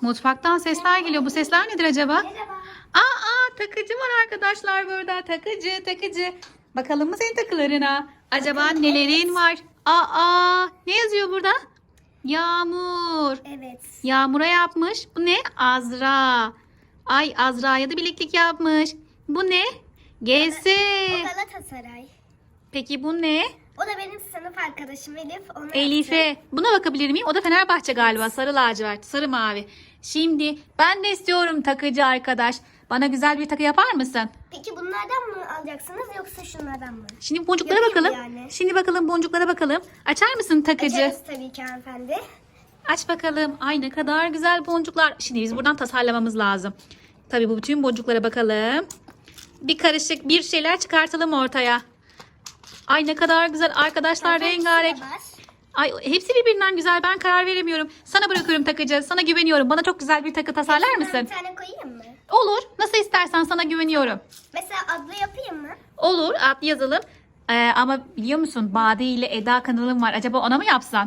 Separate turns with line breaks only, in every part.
Mutfaktan sesler geliyor. Bu sesler nedir acaba?
Merhaba.
Takıcı var arkadaşlar burada. Takıcı. Bakalım mı senin takılarına? Acaba nelerin var? Ne yazıyor burada? Yağmur.
Evet.
Yağmur'a yapmış. Bu ne? Azra. Ay, Azra'ya da bileklik yapmış. Bu ne? GS.
O Galatasaray.
Peki bu ne?
O da benim sınıf arkadaşım Elif. Onu
Elif'e. Buna bakabilir miyim? O da Fenerbahçe galiba. Sarı lacivert, sarı mavi. Şimdi ben de istiyorum takıcı arkadaş. Bana güzel bir takı yapar mısın?
Peki bunlardan mı alacaksınız yoksa şunlardan mı?
Şimdi boncuklara
Yapayım
bakalım.
yani.
Şimdi bakalım boncuklara bakalım. Açar mısın takıcı?
Açarız tabii ki hanımefendi.
Aç bakalım. Ay ne kadar güzel boncuklar. Şimdi biz buradan tasarlamamız lazım. Tabii bu bütün boncuklara bakalım. Bir karışık bir şeyler çıkartalım ortaya. Ay ne kadar güzel arkadaşlar,
Hanımefendi,
rengarenk.
şuna bak.
Ay hepsi birbirinden güzel. Ben karar veremiyorum. Sana bırakıyorum takıcı. Sana güveniyorum. Bana çok güzel bir takı tasarlar
Şundan
mısın?
bir tane koyayım mı?
Olur. Nasıl istersen, sana güveniyorum.
Mesela adlı yapayım mı?
Olur. Adlı yazalım. Ama biliyor musun? Bade ile Eda kanalım var. Acaba ona mı yapsan?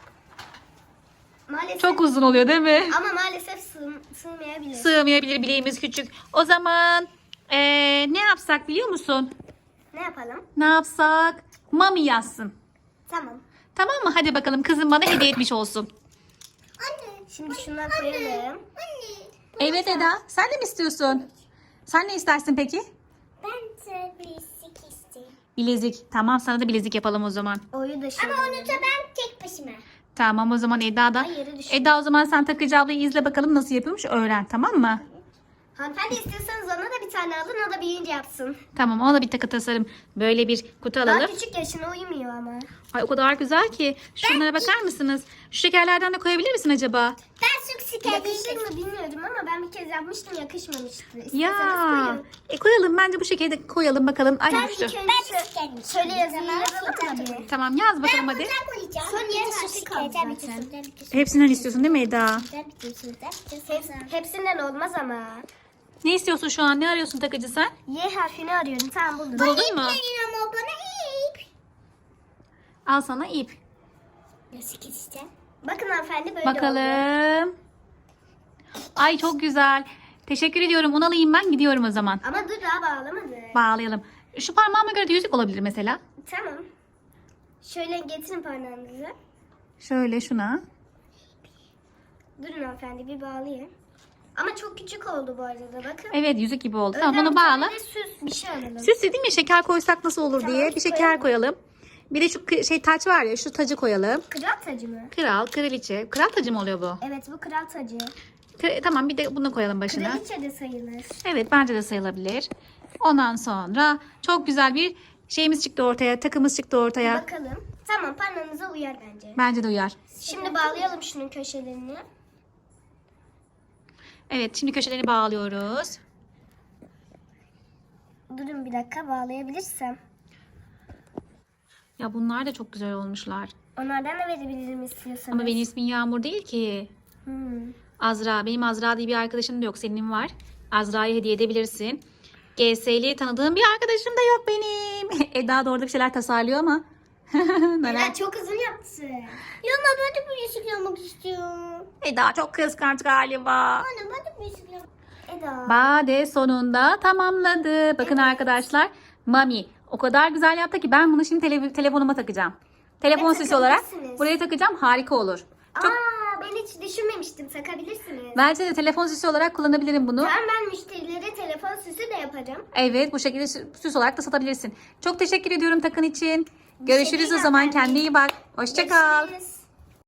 Maalesef.
Çok uzun oluyor değil mi?
Ama maalesef sığmayabilir.
Sığmayabilir, bileğimiz küçük. O zaman ne yapsak biliyor musun?
Ne yapalım?
Ne yapsak? Mami yazsın.
Tamam.
Tamam mı? Hadi bakalım, kızım bana hediye etmiş olsun.
Anne. Şimdi şunları koyalım. Anne.
Evet Eda. Sen de mi istiyorsun? Sen ne istersin peki?
Ben de bilezik istiyorum.
Bilezik. Tamam, sana da bilezik yapalım o zaman.
Oyu da şöyle. Ama onu da ben tek başıma.
Tamam, o zaman Eda da.
Ay, yere düşürdüm.
Eda, o zaman sen takıcı ablayı izle bakalım nasıl yapıyormuş, öğren, tamam mı?
Hanımefendi istiyorsanız ona da bir tane alın, o da büyüyünce yapsın.
Tamam, ona da bir takı tasarım. Böyle bir kutu
Daha
alalım.
küçük yaşına uymuyor ama.
Ay o kadar güzel ki. Şunlara bakar mısınız? Şu şekerlerden de koyabilir misin acaba?
Ben çok şeker yakışır mı bilmiyorum ama ben bir kez yapmıştım, yakışmamıştı. İsterseniz
Ya.
koyun.
Koyalım, bence bu şekeri de koyalım bakalım. Ay
Ben
düştü.
ilk önce şöyle yazıyı yazalım da bir.
Tamam, yaz bakalım hadi.
koyacağım. Son yeterli kaldı zaten.
Hepsinden istiyorsun değil mi Eda?
Hepsinden olmaz ama.
Ne istiyorsun şu an? Ne arıyorsun takıcı sen?
Y harfini arıyorum. Tamam buldum.
Buldun mu?
Ama bana ip.
Al sana ip.
Nasıl keseceğim? Bakın hanımefendi böyle oldu.
Bakalım. Ay çok güzel. Teşekkür ediyorum. Onu alayım, ben gidiyorum o zaman.
Ama dur daha bağlamadı.
Bağlayalım. Şu parmağıma göre de yüzük olabilir mesela.
Tamam. Şöyle getirin parmağınızı.
Şöyle şuna.
Durun hanımefendi bir bağlayayım. Ama çok küçük oldu bu arada bakın.
Evet, yüzük gibi oldu.
Önden
Tamam, onu
bir tane
bağla.
de süs bir şey alalım.
Süs değil mi? Şeker koysak nasıl olur
Tamam,
diye. Bir şeker
koyalım.
koyalım. Bir de şu taç var ya, şu tacı koyalım.
Kral tacı mı?
Kral, kraliçe. Kral tacı mı oluyor bu?
Evet bu kral tacı.
Tamam, bir de bunu koyalım başına.
Kraliçe de sayılır.
Evet, bence de sayılabilir. Ondan sonra çok güzel bir şeyimiz çıktı ortaya. Takımız çıktı ortaya.
Bakalım. Tamam parmağınıza uyar bence.
Bence de uyar.
Şimdi bağlayalım şunun köşelerini.
Evet, şimdi köşeleri bağlıyoruz.
Durun bir dakika bağlayabilirsem.
Ya bunlar da çok güzel olmuşlar.
Onlardan da verebilirim istiyorsanız.
Ama benim ismim Yağmur değil ki. Azra. Benim Azra diye bir arkadaşım da yok. Senin var. Azra'ya hediye edebilirsin. GS'li tanıdığım bir arkadaşım da yok benim. Eda da orada bir şeyler tasarlıyor ama.
Ela çok uzun yaptı. Ya ben de bir yeşil yapmak istiyorum.
Eda çok kıskanç galiba.
Anne ben de bir yeşil yapmak Eda.
Bade sonunda tamamladı. Bakın arkadaşlar. Mami o kadar güzel yaptı ki ben bunu şimdi telefonuma takacağım. Telefon
Evet,
süsü olarak
takabilirsiniz.
buraya takacağım. Harika olur. Çok,
Ben hiç düşünmemiştim. Takabilirsiniz.
bence de telefon süsü olarak kullanabilirim bunu.
Ben müşterilere telefon süsü de yapacağım.
Evet, bu şekilde süs olarak da satabilirsin. Çok teşekkür ediyorum takın için. Görüşürüz o
değil
zaman.
hanımefendi.
Kendine iyi bak. Hoşça kal.
Görüşürüz.